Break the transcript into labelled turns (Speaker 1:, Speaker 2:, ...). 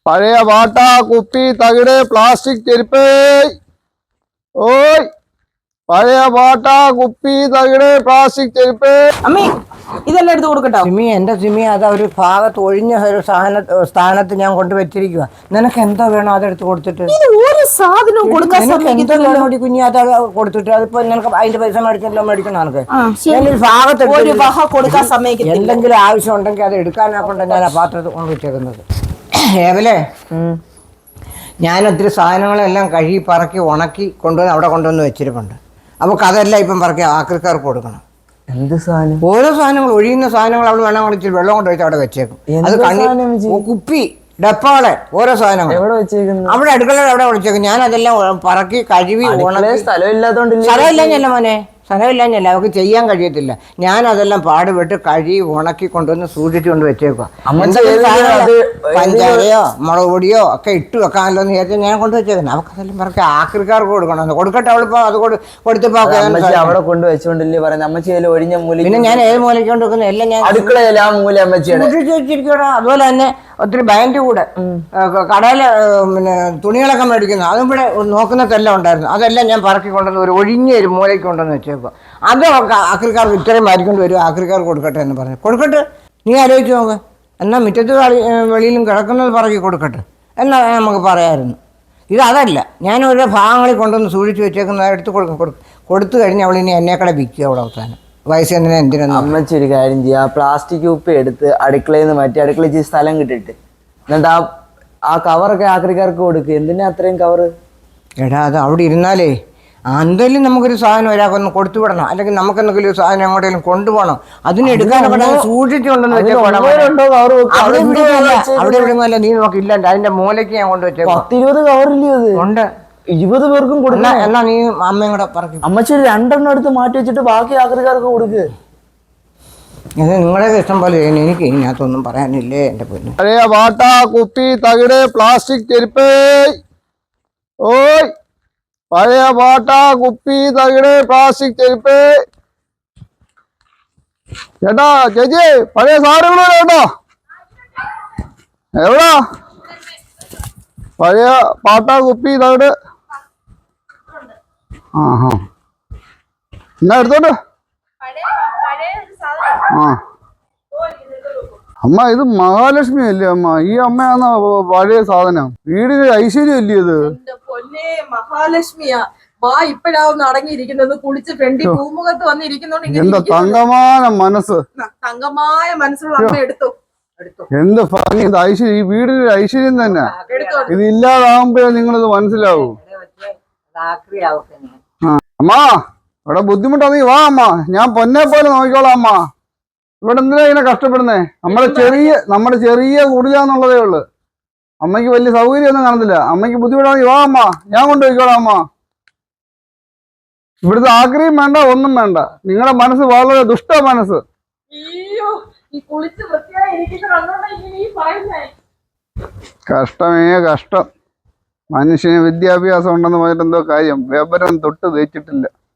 Speaker 1: പഴയ വാട്ട കുപ്പി തകിട് പ്ലാസ്റ്റിക് ചെരുപ്പ്. ഓയ് പഴയ വാട്ട കുപ്പി തകിട് പ്ലാസ്റ്റിക് ചെരുപ്പ്.
Speaker 2: അമ്മേ ഇതെല്ലാം എടുത്ത് കൊടുക്കട്ടോ.
Speaker 3: സിമി, എന്റെ സിമി, അത് ഒരു ഭാഗത്ത് ഒഴിഞ്ഞ ഒരു സ്ഥാനത്ത് ഞാൻ കൊണ്ടുവച്ചിരിക്കുക. നിനക്ക് എന്താ വേണോ അതെടുത്ത് കൊടുത്തിട്ട്
Speaker 2: ഒരു സാധനവും കൊടുക്കാൻ
Speaker 3: കുഞ്ഞി അത് കൊടുത്തിട്ട് അതിപ്പോ നിനക്ക് അതിന്റെ പൈസ മേടിച്ചല്ലോ മേടിക്കണം. നിനക്ക് ഭാഗത്ത്
Speaker 2: ഒരു വഹ കൊടുക്കാൻ സമ്മതിക്കില്ല.
Speaker 3: എന്തെങ്കിലും ആവശ്യം ഉണ്ടെങ്കിൽ അത് എടുക്കാനാക്കൊണ്ട് ഞാൻ ആ പാത്രത്തിൽ കൊണ്ടുവച്ചേക്കുന്നത്. ഏവലെ, ഞാൻ ഒത്തിരി സാധനങ്ങളെല്ലാം കഴുകി പറക്കി ഉണക്കി കൊണ്ടുവന്ന് അവിടെ കൊണ്ടുവന്ന് വെച്ചിരിപ്പുണ്ട്. അപ്പോൾ അതെല്ലാം ഇപ്പം പറക്കി ആക്രിക്കാർക്ക് കൊടുക്കണം.
Speaker 4: എന്ത് സാധനം?
Speaker 3: ഓരോ സാധനങ്ങൾ, ഒഴിയുന്ന സാധനങ്ങൾ അവൾ വേണം വിളിച്ച് വെള്ളം കൊണ്ട് വെച്ച് അവിടെ വെച്ചേക്കും. അത് കുപ്പി, ഡപ്പാളെ, ഓരോ സാധനങ്ങൾ
Speaker 4: എവിടെ വെച്ചേക്കുന്നു?
Speaker 3: അവിടെ അടുക്കളയിൽ അവിടെ വിളിച്ചേക്കും. ഞാൻ അതെല്ലാം പറക്കി കഴുകി ഉണക്കി. സ്ഥലമില്ലാഞ്ഞല്ല മോനെ, സ്ഥലമില്ലാഞ്ഞല്ല, അവർക്ക് ചെയ്യാൻ കഴിയത്തില്ല. ഞാൻ അതെല്ലാം പാടുപെട്ട് കഴുകി ഉണക്കി കൊണ്ടുവന്ന് സൂക്ഷിച്ചു കൊണ്ട് വെച്ചേക്കുക. പഞ്ചാരയോ മുളക് പൊടിയോ ഒക്കെ ഇട്ട് വെക്കാമല്ലോ എന്ന് വിചാരിച്ചാൽ ഞാൻ കൊണ്ടുവച്ചേക്കുന്നത്. അവർക്ക് അതെല്ലാം പറക്കി ആക്രിക്കാർക്ക് കൊടുക്കണം. കൊടുക്കട്ടെ, അവളിപ്പോ അത് കൊടുത്തപ്പോ
Speaker 4: അവിടെ കൊണ്ട് വെച്ചോണ്ടല്ലേ പറയുന്നത്. അമ്മച്ചി ഒഴിഞ്ഞ മൂല.
Speaker 3: പിന്നെ ഞാൻ ഏത് മൂലയ്ക്ക് കൊണ്ട് വെക്കുന്നത് എല്ലാം ഞാൻ
Speaker 4: അടുക്കളയില്ല ആ മൂല അമ്മച്ചിയാണ്
Speaker 3: സൂക്ഷിച്ചു വെച്ചിരിക്കണം. അതുപോലെ തന്നെ ഒത്തിരി ബാൻഡ് കൂടെ കടയിൽ പിന്നെ തുണികളൊക്കെ മേടിക്കുന്നു, അതും ഇവിടെ നോക്കുന്നതെല്ലാം ഉണ്ടായിരുന്നു. അതെല്ലാം ഞാൻ പറക്കി കൊണ്ടുവന്ന് ഒരു ഒഴിഞ്ഞ ഒരു മൂലയ്ക്ക് കൊണ്ടുവന്ന് വെച്ചേക്കുക. അത് ആക്രിക്കാർക്ക് ഇത്രയും മാരിക്കൊണ്ട് വരും, ആക്രിക്കാർക്ക് കൊടുക്കട്ടെ എന്ന് പറഞ്ഞു. കൊടുക്കട്ടെ, നീ ആലോചിച്ച് നോക്ക്. എന്നാൽ മുറ്റത്ത് വെളിയിലും കിടക്കുന്നത് പറക്കി കൊടുക്കട്ടെ എന്നാൽ നമുക്ക് പറയാമായിരുന്നു. അതല്ല, ഞാൻ ഓരോ ഭാഗങ്ങളിൽ കൊണ്ടുവന്ന് സൂക്ഷിച്ച് വെച്ചേക്കുന്നത് എടുത്ത് കൊടുത്തു കഴിഞ്ഞ് അവൾ ഇനി എന്നേക്കടെ വിൽക്കുക അവിടെ അവസാനം. വയസ്സെന്തിനാ എന്തിനൊന്നും.
Speaker 4: അമ്മച്ചി ഒരു കാര്യം ചെയ്യുക, പ്ലാസ്റ്റിക് കുപ്പി എടുത്ത് അടുക്കളയിൽ നിന്ന് മാറ്റി അടുക്കളയിൽ സ്ഥലം കിട്ടിട്ട് എന്നിട്ട് ആ കവറൊക്കെ ആക്രിക്കാർക്ക് കൊടുക്കുക. എന്തിനാ അത്രയും കവറ്?
Speaker 3: എടാ, അത് അവിടെ ഇരുന്നാലേ എന്തെങ്കിലും നമുക്കൊരു സാധനം ഒരാൾക്കൊന്ന് കൊടുത്തു വിടണം, അല്ലെങ്കിൽ നമുക്ക് എന്തെങ്കിലും ഒരു സാധനം എങ്ങോട്ടെങ്കിലും കൊണ്ടുപോകണം. അതിനെടുക്കാനൊക്കെ സൂക്ഷിച്ചുകൊണ്ടെന്ന് വെച്ചാൽ അവിടെ എവിടെയൊന്നുമല്ല. നീ നോക്കില്ല, അതിന്റെ മൂലയ്ക്ക് ഞാൻ കൊണ്ടുവച്ചേ
Speaker 4: 10-20 കവറില്ലേ അത് ഉണ്ട്. 20 പേർക്കും കൊടുക്കണം.
Speaker 3: എന്നാ നീ അമ്മയും കൂടെ പറയും.
Speaker 4: അമ്മച്ചി 2 എടുത്ത് മാറ്റി വെച്ചിട്ട് ബാക്കി ആക്രിക്കാർക്ക് കൊടുക്കുക.
Speaker 3: ഇത് നിങ്ങളെ ഇഷ്ടം പോലെ ചെയ്യുന്നു. എനിക്ക് ഇതിനകത്തൊന്നും പറയാനില്ലേ എന്റെ പൊന്നു.
Speaker 1: പഴയ വാട്ട കുപ്പി തകിട് പ്ലാസ്റ്റിക് ചെരുപ്പ്. ഓയ് പഴയ വാട്ട കുപ്പി തകിട് പ്ലാസ്റ്റിക് ചെരുപ്പ്. ചേട്ടാ, ചേച്ചി, പഴയ സാധനങ്ങൾ കേട്ടോ. എവിടാ പഴയ പാട്ട കുപ്പി തകിട്? ആഹാ, എന്നാ എടുത്തോട്ട്. ആ അമ്മ, ഇത് മഹാലക്ഷ്മി അല്ലേ അമ്മ? ഈ അമ്മയാന്ന പഴയ സാധനം. വീടിന് ഐശ്വര്യം അല്ലേ ഇത്?
Speaker 2: മഹാലക്ഷ്മിയാ. വാ ഇപ്പഴാവുന്ന അടങ്ങിയിരിക്കുന്നത്. കുളിച്ച് ഫ്രണ്ടിൽ പൂമുഖത്ത് വന്നിരിക്കുന്നോണ്ട്
Speaker 1: എന്താ തങ്കമായ മനസ്സ്,
Speaker 2: തങ്കമായ മനസ്സുള്ള അമ്മ എടുത്തു.
Speaker 1: എന്ത് ഭംഗി, ഇത് ഐശ്വര്യം. ഈ വീടിന് ഐശ്വര്യം തന്നെ. ഇത് ഇല്ലാതാകുമ്പോഴേ നിങ്ങളിത് മനസ്സിലാവൂ. അമ്മ, ഇവിടെ ബുദ്ധിമുട്ടാ, നീ വാ അമ്മ, ഞാൻ പൊന്നെ പോലെ നോക്കിക്കോളാം അമ്മ. ഇവിടെ എന്തിനാ ഇങ്ങനെ കഷ്ടപ്പെടുന്നേ? നമ്മുടെ ചെറിയ കുടിലാന്നുള്ളതേ ഉള്ളു. അമ്മയ്ക്ക് വലിയ സൗകര്യമൊന്നും കാണത്തില്ല. അമ്മയ്ക്ക് ബുദ്ധിമുട്ടാണ്, വാ അമ്മ, ഞാൻ കൊണ്ടുപോയിക്കോളാം അമ്മ. ഇവിടുത്തെ ആഗ്രഹം വേണ്ട, ഒന്നും വേണ്ട. നിങ്ങളുടെ മനസ്സ് വളരെ ദുഷ്ട മനസ്സ്. കഷ്ടമേ കഷ്ടം. മനുഷ്യന് വിദ്യാഭ്യാസം ഉണ്ടെന്ന് പറഞ്ഞിട്ട് എന്തോ കാര്യം, വിവരം തൊട്ട് തേച്ചിട്ടില്ല.